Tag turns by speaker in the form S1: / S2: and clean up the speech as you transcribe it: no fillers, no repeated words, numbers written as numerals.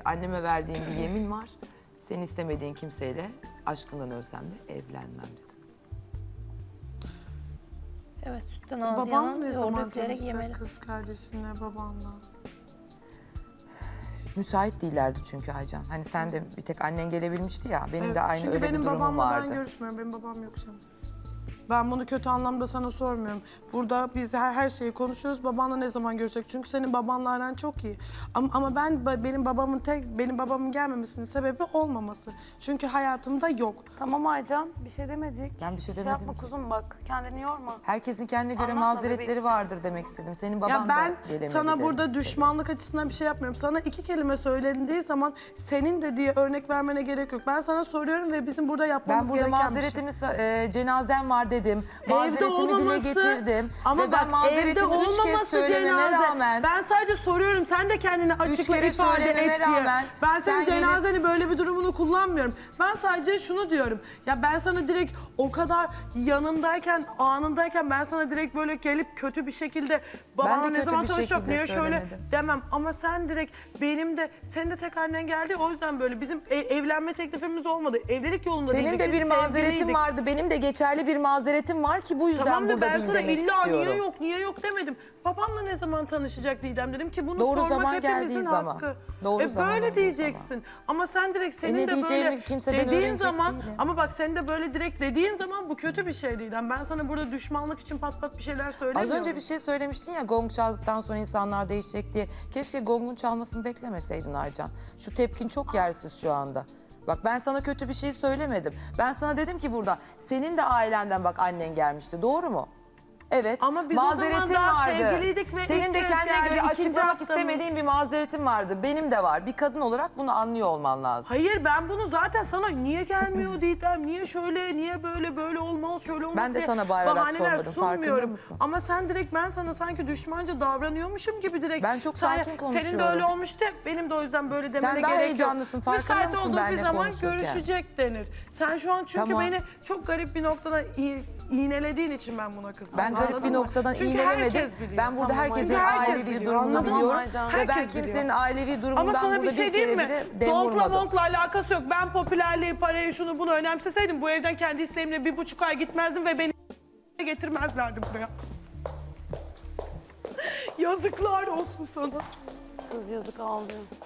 S1: anneme verdiğim bir yemin var. Seni istemediğin kimseyle aşkından ölsem de evlenmem dedim.
S2: Evet, sütten ağzı
S3: Baban
S2: yanan
S3: ne
S2: yoğurdu
S3: zaman
S2: üfleyerek
S3: tanışacak
S2: yemeli.
S3: kız kardeşinle, babanla?
S1: Müsait değillerdi çünkü Aycan. Hani sen de bir tek annen gelebilmişti ya. Benim de aynı
S3: Çünkü
S1: öyle bir
S3: benim
S1: durumum
S3: babamla
S1: vardı.
S3: ben görüşmüyorum. Benim babam yok canım. Ben bunu kötü anlamda sana sormuyorum. Burada biz her şeyi konuşuyoruz. Babanla ne zaman görüşecek? Çünkü senin babanla aran çok iyi. Ama benim babamın gelmemesinin sebebi olmaması. Çünkü hayatımda yok.
S4: Tamam Aycan, bir şey demedik.
S1: Ben bir şey
S4: Şey
S1: demedim
S4: yapma
S1: ki.
S4: kuzum bak, kendini yorma.
S1: Herkesin kendine göre
S4: Anlatma
S1: mazeretleri
S4: bebeğim.
S1: vardır demek istedim. Senin baban
S3: Ya ben
S1: da gelemedi
S3: sana
S1: demek
S3: burada
S1: istedim.
S3: düşmanlık açısından bir şey yapmıyorum. Sana 2 kelime söylendiği zaman senin de diye örnek vermene gerek yok. Ben sana soruyorum ve bizim burada yapmamız
S1: Ben burada
S3: gereken bir şey.
S1: mazeretimi, cenazem var dedim.
S3: Evde
S1: Mazeretimi dile
S3: olmaması
S1: getirdim.
S3: ama
S1: Ve
S3: bak
S1: ben mazeretimi
S3: evde
S1: 3 kez
S3: olmaması
S1: söylememe
S3: cenaze.
S1: rağmen...
S3: Ben sadece soruyorum, sen de kendini açıkla
S1: kere
S3: ifade et
S1: söylememe
S3: diye.
S1: rağmen
S3: Ben
S1: sen
S3: senin
S1: gelip-
S3: cenazeni böyle bir durumunu kullanmıyorum. Ben sadece şunu diyorum. Ya ben sana direkt o kadar yanındayken, anındayken ben sana direkt böyle gelip kötü bir şekilde babanla ne
S1: kötü
S3: zaman
S1: bir
S3: tanışacak,
S1: şekilde
S3: niye şöyle
S1: söylemedim.
S3: demem. Ama sen direkt senin de tek annen geldi, o yüzden böyle bizim evlenme teklifimiz olmadı. Evlilik yolunda
S1: Senin
S3: değildik,
S1: de
S3: biz
S1: bir mazeretin
S3: sevgiliydik.
S1: vardı. Benim de geçerli bir mazeretim var ki bu yüzden
S3: Tamam da
S1: burada
S3: ben
S1: değil
S3: sana
S1: demek
S3: illa
S1: istiyorum.
S3: niye yok demedim. Babamla ne zaman tanışacak Didem dedim ki bunu
S1: Doğru
S3: sormak
S1: zaman
S3: hepimizin
S1: geldiği
S3: hakkı.
S1: zaman. Doğru zaman
S3: böyle
S1: olduğu
S3: diyeceksin. Ama sen direkt senin
S1: ne
S3: de
S1: diyeceğimi
S3: böyle
S1: kimseden
S3: dediğin
S1: öğrenecek
S3: zaman
S1: değilim.
S3: ama bak sen de böyle direkt dediğin zaman bu kötü bir şey Didem. Ben sana burada düşmanlık için pat pat bir şeyler
S1: Az
S3: söylemiyorum.
S1: önce bir şey söylemiştin ya, gong çaldıktan sonra insanlar değişecek diye. Keşke gongun çalmasını beklemeseydin Aycan. Şu tepkin çok yersiz şu anda. Bak ben sana kötü bir şey söylemedim. Ben sana dedim ki burada senin de ailenden bak annen gelmişti. Doğru mu? Evet.
S3: Ama biz o zaman daha sevgiliydik ve
S1: Senin
S3: ilk
S1: de
S3: kez
S1: kendine
S3: geldi,
S1: göre
S3: ikinci
S1: açıklamak
S3: haftamız.
S1: istemediğin bir mazeretin vardı. Benim de var. Bir kadın olarak bunu anlıyor olman lazım.
S3: Hayır ben bunu zaten sana niye gelmiyor Didem, niye şöyle, niye böyle olmaz, şöyle olmaz
S1: Ben de
S3: diye
S1: sana bağırarak
S3: bahaneler
S1: sormadım, farkında
S3: sunmuyorum.
S1: mısın?
S3: Ama sen direkt ben sana sanki düşmanca davranıyormuşum gibi direkt.
S1: Ben çok sakin konuşuyorum.
S3: Senin de öyle olmuştu, benim de o yüzden böyle demene
S1: Sen
S3: gerek
S1: daha
S3: yok.
S1: heyecanlısın, farkında
S3: Müsait
S1: mısın
S3: olduğu bir
S1: benimle
S3: zaman
S1: konuşurken?
S3: görüşecek denir. Sen şu an çünkü
S1: Tamam.
S3: beni çok garip bir noktada iğnelediğin için ben buna kızdım.
S1: Ben garip
S3: Anladın
S1: bir
S3: mı?
S1: noktadan
S3: Çünkü
S1: iğnelemedim.
S3: herkes biliyor.
S1: Ben burada
S3: Tamam,
S1: herkesin
S3: çünkü herkes
S1: ailevi
S3: biliyor,
S1: durumunu
S3: anladın mı?
S1: biliyorum.
S4: Aycan?
S1: Ve ben
S3: Herkes
S1: kimsenin
S3: biliyor.
S1: ailevi
S3: Ama
S1: durumundan
S3: sana
S1: burada
S3: bir şey
S1: bir
S3: diyeyim
S1: kere
S3: mi?
S1: bile dem
S3: Donkla
S1: vurmadım.
S3: monkla alakası yok. Ben popülerliği, parayı, şunu bunu önemseseydim bu evden kendi isteğimle 1,5 ay gitmezdim ve beni getirmezlerdi buraya. Yazıklar olsun sana.
S4: Kız yazık ağlıyor.